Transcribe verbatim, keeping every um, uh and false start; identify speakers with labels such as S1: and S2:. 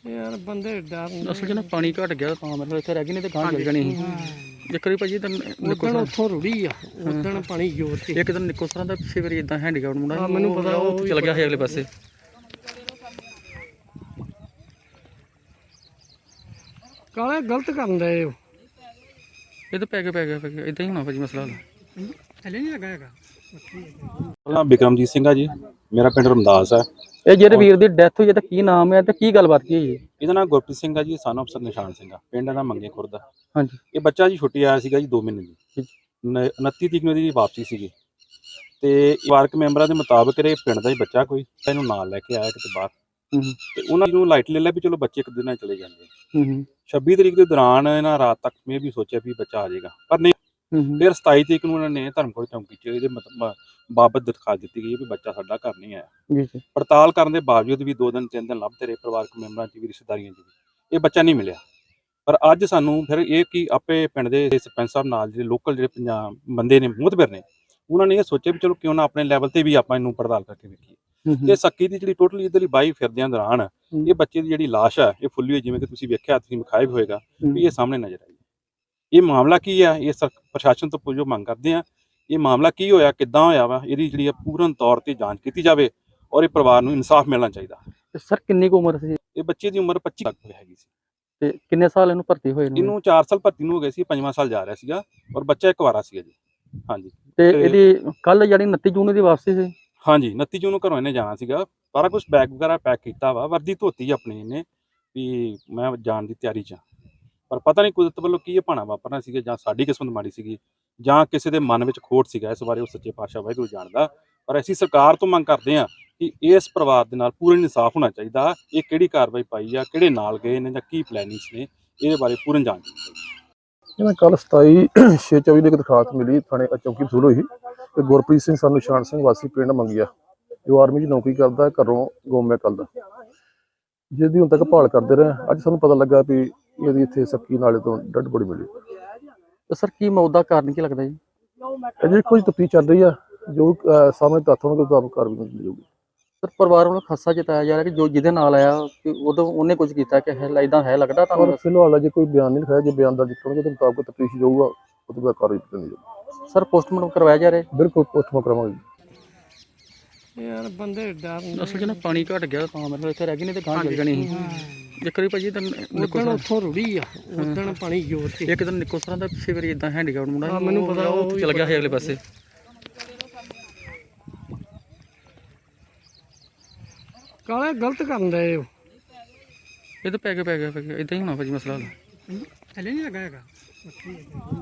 S1: ਯਾਰ ਬੰਦੇ ਡਰ
S2: ਅਸਲ 'ਚ ਨਾ ਪਾਣੀ ਘਟ ਗਿਆ ਤਾਂ ਮਤਲਬ ਇੱਥੇ ਰਹਿ ਗਈ, ਨਹੀਂ ਤੇ ਗਾਂ ਚੱਲ ਜਾਣੀ ਸੀ। ਇੱਕ ਵਾਰੀ ਭਾਜੀ ਤਾਂ ਨਿੱਕੋ
S1: ਉਦਣ ਉੱਥੋਂ ਰੁੜੀ ਆ, ਉਦਣ ਪਾਣੀ ਜ਼ੋਰ ਤੇ।
S2: ਇੱਕ ਦਿਨ ਨਿੱਕੋ ਸਰਾਂ ਦਾ ਪਿੱਛੇ ਵਾਰੀ ਇਦਾਂ ਹੈਂਡੀਕੈਪਟ ਮੁੰਡਾ
S1: ਹਾਂ, ਮੈਨੂੰ ਪਤਾ,
S2: ਉਹ ਉੱਥੇ ਚਲ ਗਿਆ ਸੀ ਅਗਲੇ ਪਾਸੇ।
S1: ਕਾਲੇ ਗਲਤ ਕਰਨ ਦੇ ਉਹ
S2: ਇਹ ਤਾਂ ਪੈ ਗਿਆ ਪੈ ਗਿਆ ਪੈ ਗਿਆ ਇਦਾਂ ਹੀ ਹੋਣਾ ਭਾਜੀ ਮਸਲਾ।
S1: ਥੱਲੇ ਨਹੀਂ ਲੱਗਾ ਹੈਗਾ।
S3: ਨਾਮ ਬਿਕਰਮਜੀਤ ਸਿੰਘ ਆ ਜੀ, ਮੇਰਾ ਪਿੰਡ ਰਮਦਾਸ ਹੈ।
S2: ਇਹ ਜਿਹੜੇ ਵੀਰ ਦੀ ਡੈਥ ਹੋਈ ਹੈ ਤਾਂ ਕੀ ਨਾਮ ਹੈ ਤੇ ਕੀ ਗੱਲਬਾਤ ਕੀ ਹੋਈ ਹੈ?
S3: ਇਹਦਾ ਨਾਮ ਗੁਰਪ੍ਰੀਤ ਸਿੰਘ ਆ ਜੀ, ਸਨ ਅਫਸਰ ਨਿਸ਼ਾਨ ਸਿੰਘ ਆ, ਪਿੰਡ ਦਾ ਮੰਗੇ ਖੁਰਦ।
S2: ਹਾਂਜੀ।
S3: ਇਹ ਬੱਚਾ ਜੀ ਛੁੱਟੀ ਆਇਆ ਸੀਗਾ ਜੀ ਦੋ ਮਹੀਨੇ ਦੀ, ਉਨੱਤੀ ਤਰੀਕ ਨੂੰ ਇਹਦੀ ਵਾਪਸੀ ਸੀਗੀ ਤੇ ਪਰਿਵਾਰਕ ਮੈਂਬਰਾਂ ਦੇ ਮੁਤਾਬਕ ਇਹ ਪਿੰਡ ਦਾ ਹੀ ਬੱਚਾ ਕੋਈ ਇਹਨੂੰ ਨਾਲ ਲੈ ਕੇ ਆਇਆ ਕਿਤੇ ਬਾਹਰ, ਤੇ ਉਹਨਾਂ ਨੂੰ ਲਾਈਟ ਲੈ ਲਿਆ ਵੀ ਚਲੋ ਬੱਚੇ ਇੱਕ ਦਿਨ ਨਾਲ ਚਲੇ ਜਾਂਦੇ। ਛੱਬੀ ਤਰੀਕ ਦੇ ਦੌਰਾਨ ਇਹਨਾਂ ਰਾਤ ਤੱਕ ਮੈਂ ਵੀ ਸੋਚਿਆ ਵੀ ਬੱਚਾ ਆ ਜਾਏਗਾ, ਪਰ ਨਹੀਂ। ਫਿਰ ਸਤਾਈ ਤਰੀਕ ਨੂੰ ਉਹਨਾਂ ਨੇ ਧਰਮਕੋਟ ਚੌਂਕੀ 'ਚ ਇਹਦੇ ਬਾਬਤ ਦਿਖਾ ਦਿੱਤੀ ਗਈ ਵੀ ਬੱਚਾ ਸਾਡਾ ਘਰ ਨਹੀਂ ਆਇਆ। ਪੜਤਾਲ ਕਰਨ ਦੇ ਬਾਵਜੂਦ ਵੀ ਦੋ ਦਿਨ ਤਿੰਨ ਦਿਨ ਲੱਭਦੇ ਰਹੇ ਪਰਿਵਾਰਕ ਮੈਂਬਰਾਂ 'ਚ ਵੀ ਰਿਸ਼ਤੇਦਾਰੀਆਂ 'ਚ ਵੀ, ਇਹ ਬੱਚਾ ਨਹੀਂ ਮਿਲਿਆ। ਪਰ ਅੱਜ ਸਾਨੂੰ ਫਿਰ ਇਹ ਕਿ ਆਪੇ ਪਿੰਡ ਦੇ ਸਰਪੰਚ ਸਾਹਿਬ ਨਾਲ ਜਿਹੜੇ ਲੋਕਲ ਜਿਹੜੇ ਪੰਜਾਬ ਬੰਦੇ ਨੇ ਮੁਤਬਰ ਨੇ, ਉਹਨਾਂ ਨੇ ਇਹ ਸੋਚਿਆ ਵੀ ਚਲੋ ਕਿਉਂ ਨਾ ਆਪਣੇ ਲੈਵਲ ਤੇ ਵੀ ਆਪਾਂ ਇਹਨੂੰ ਪੜਤਾਲ ਕਰਕੇ ਵੇਖੀਏ। ਤੇ ਸੱਕੀ ਦੀ ਜਿਹੜੀ ਟੋਟਲੀ ਇੱਧਰਲੀ ਬਾਈ ਫਿਰਦਿਆਂ ਦੌਰਾਨ ਇਹ ਬੱਚੇ ਦੀ ਜਿਹੜੀ ਲਾਸ਼ ਹੈ ਇਹ ਫੁੱਲੀ ਹੋਈ, ਜਿਵੇਂ ਕਿ ਤੁਸੀਂ ਵੇਖਿਆ, ਤੁਸੀਂ ਵਿਖਾਇਆ ਵੀ ਹੋਏਗਾ ਵੀ ਇਹ ਸਾਹਮਣੇ ਨਜ਼ਰ ਆਈ। ਇਹ ਮਾਮਲਾ ਕੀ ਆ, ਇਹ ਪ੍ਰਸ਼ਾਸਨ ਤੋਂ ਪੁੱਛੋ ਮੰਗ ਕਰਦੇ ਆ, ਇਹ ਮਾਮਲਾ ਕੀ ਹੋਇਆ, ਕਿੱਦਾਂ ਹੋਇਆ ਵਾ, ਇਹਦੀ ਜਿਹੜੀ ਪੂਰਨ ਤੌਰ ਤੇ ਜਾਂਚ ਕੀਤੀ ਜਾਵੇ ਔਰ ਇਹ ਪਰਿਵਾਰ ਨੂੰ ਇਨਸਾਫ ਮਿਲਣਾ ਚਾਹੀਦਾ।
S2: ਸਰ ਕਿੰਨੀ ਕੁ ਉਮਰ ਸੀ
S3: ਇਹ ਬੱਚੇ ਦੀ ਉਮਰ ਪੱਚੀ ਲੱਖ ਹੈਗੀ ਸੀ।
S2: ਤੇ ਕਿੰਨੇ ਸਾਲ ਇਹਨੂੰ ਭਰਤੀ ਹੋਏ ਨੇ?
S3: ਇਹਨੂੰ ਚਾਰ ਸਾਲ ਭਰਤੀ ਨੂੰ ਹੋ ਗਏ ਸੀ, ਪੰਜਵਾਂ ਸਾਲ ਜਾ ਰਿਹਾ ਸੀਗਾ ਔਰ ਬੱਚਾ ਇੱਕ ਵਾਰਾ ਸੀਗਾ ਜੀ। ਹਾਂਜੀ।
S2: ਤੇ ਇਹਦੀ ਕੱਲ ਜਿਹੜੀ ਉਨੱਤੀ ਜੂਨ ਦੀ ਵਾਪਸੀ ਸੀ?
S3: ਹਾਂਜੀ, ਉਨੱਤੀ ਜੂਨ ਨੂੰ ਘਰੋਂ ਇਹਨੇ ਜਾਣਾ ਸੀਗਾ, ਸਾਰਾ ਕੁਛ ਬੈਗ ਵਗੈਰਾ ਪੈਕ ਕੀਤਾ ਵਾ, ਵਰਦੀ ਧੋਤੀ ਆਪਣੀ ਇਹਨੇ ਵੀ ਮੈਂ ਜਾਣ ਦੀ ਤਿਆਰੀ 'ਚ। ਪਰ ਪਤਾ ਨਹੀਂ ਕੁਦਰਤ ਵੱਲੋਂ ਕੀ ਇਹ ਭਾਣਾ ਵਾਪਰਨਾ ਸੀਗਾ, ਜਾਂ ਸਾਡੀ ਕਿਸਮਤ ਮਾੜੀ ਸੀਗੀ, ਜਾਂ ਕਿਸੇ ਦੇ ਮਨ ਵਿੱਚ ਖੋਟ ਸੀਗਾ। ਇਸ ਬਾਰੇ ਉਹ ਸੱਚੇ ਪਾਤਸ਼ਾਹ ਵਾਹਿਗੁਰੂ ਜਾਣਦਾ। ਪਰ ਅਸੀਂ ਸਰਕਾਰ ਤੋਂ ਮੰਗ ਕਰਦੇ ਹਾਂ ਕਿ ਇਸ ਪਰਿਵਾਰ ਦੇ ਨਾਲ ਪੂਰਨ ਇਨਸਾਫ ਹੋਣਾ ਚਾਹੀਦਾ। ਇਹ ਕਿਹੜੀ ਕਾਰਵਾਈ ਪਾਈ ਆ, ਕਿਹੜੇ ਨਾਲ ਗਏ ਨੇ, ਜਾਂ ਕੀ ਪਲੈਨਿੰਗਸ ਨੇ, ਇਹਦੇ ਬਾਰੇ ਪੂਰਨ ਜਾਂਚ ਕੀਤੀ।
S4: ਇਹਨਾਂ ਕੱਲ ਸਤਾਈ ਛੇ ਚੌਵੀ ਦੀ ਇੱਕ ਦਰਖਾਸਤ ਮਿਲੀ ਥਾਣੇ ਚੌਕੀ ਵਸੂਲ ਹੋਈ ਤੇ ਗੁਰਪ੍ਰੀਤ ਸਿੰਘ ਸਾਨੂੰ ਨਿਸ਼ਾਨ ਸਿੰਘ ਵਾਸੀ ਪਿੰਡ ਮੰਗਿਆ, ਜੋ ਆਰਮੀ 'ਚ ਨੌਕਰੀ ਕਰਦਾ, ਘਰੋਂ ਗੁੰਮ ਕੱਲ ਦਾ, ਜਿਹਦੀ ਹੁਣ ਤੱਕ ਭਾਲ ਕਰਦੇ ਰਹੇ। ਅੱਜ ਸਾਨੂੰ ਪਤਾ ਲੱਗਾ ਵੀ ਇਹਦੀ ਇੱਥੇ ਸੱਕੀ ਨਾਲੇ ਤੋਂ ਡੈਡ ਬੋਡੀ ਮਿਲੀ।
S2: ਤੇ ਸਰ ਕੀ ਮੌਤ ਦਾ ਕਾਰਨ ਕੀ ਲੱਗਦਾ ਜੀ?
S4: ਅਜੇ ਕੋਈ ਤਫਤੀਸ਼ ਚੱਲ ਰਹੀ ਆ, ਜੋ ਸਾਹਮਣੇ ਤੱਥ ਹੋਣਗੇ ਉਸ ਕਾਰਵਾਈ ਕੀਤੀ ਜਾਊਗੀ।
S2: ਸਰ ਪਰਿਵਾਰ ਵੱਲੋਂ ਖਾਸਾ ਜਤਾਇਆ ਜਾ ਰਿਹਾ ਕਿ ਜੋ ਜਿਹਦੇ ਨਾਲ ਆਇਆ ਕਿ ਉਦੋਂ ਉਹਨੇ ਕੁਝ ਕੀਤਾ ਕਿ ਇਦਾਂ ਹੈ ਲੱਗਦਾ ਤੁਹਾਨੂੰ?
S4: ਪਰ ਫਿਲਹਾਲ ਅਜੇ ਕੋਈ ਬਿਆਨ ਨਹੀਂ ਲਿਖਾਇਆ, ਜੇ ਬਿਆਨ ਦਰਜ ਕਰਨਗੇ ਉਹਦੇ ਮੁਤਾਬਕ ਤਫਤੀਸ਼ ਜਾਊਗਾ, ਉਹ ਤੋਂ ਬਾਅਦ ਕਾਰਵਾਈ ਕੀਤੀ ਜਾਊਗੀ।
S2: ਸਰ ਪੋਸਟਮਾਰਟਮ ਕਰਵਾਇਆ ਜਾ ਰਿਹਾ?
S4: ਬਿਲਕੁਲ ਪੋਸਟਮਾਰਟਮ ਕਰਾਵਾਂਗੇ।
S1: ਯਾਰ ਬੰਦੇ ਡਰ
S2: ਅਸਲ 'ਚ ਨਾ ਪਾਣੀ ਘਟ ਗਿਆ ਤਾਂ ਮਤਲਬ ਇੱਥੇ ਰਹਿ ਗਈ, ਨਹੀਂ ਤੇ ਗਾਂ ਚੱਲ ਜਾਣੀ ਸੀ। ਇੱਕ ਵਾਰੀ ਭਾਜੀ ਤਾਂ
S1: ਉਦਣ ਉੱਥੋਂ ਰੁੜੀ ਆ, ਉਦਣ ਪਾਣੀ ਜ਼ੋਰ ਤੇ।
S2: ਇੱਕ ਦਿਨ ਨਿੱਕੋ ਸਰਾਂ ਦਾ ਪਿੱਛੇ ਵਾਰੀ ਇਦਾਂ ਹੈਂਡੀਕੈਪਟ ਮੁੰਡਾ,
S1: ਮੈਨੂੰ ਪਤਾ,
S2: ਉਹ ਉੱਥੇ ਚਲ ਗਿਆ ਸੀ ਅਗਲੇ ਪਾਸੇ।
S1: ਕਾਲੇ ਗਲਤ ਕਰਨ ਦੇ ਉਹ
S2: ਇਹ ਤਾਂ ਪੈ ਗਿਆ ਪੈ ਗਿਆ ਪੈ ਗਿਆ ਇਦਾਂ ਹੀ ਹੋਣਾ ਭਾਜੀ ਮਸਲਾ।
S1: ਥੱਲੇ ਨਹੀਂ ਲੱਗਾ ਹੈਗਾ।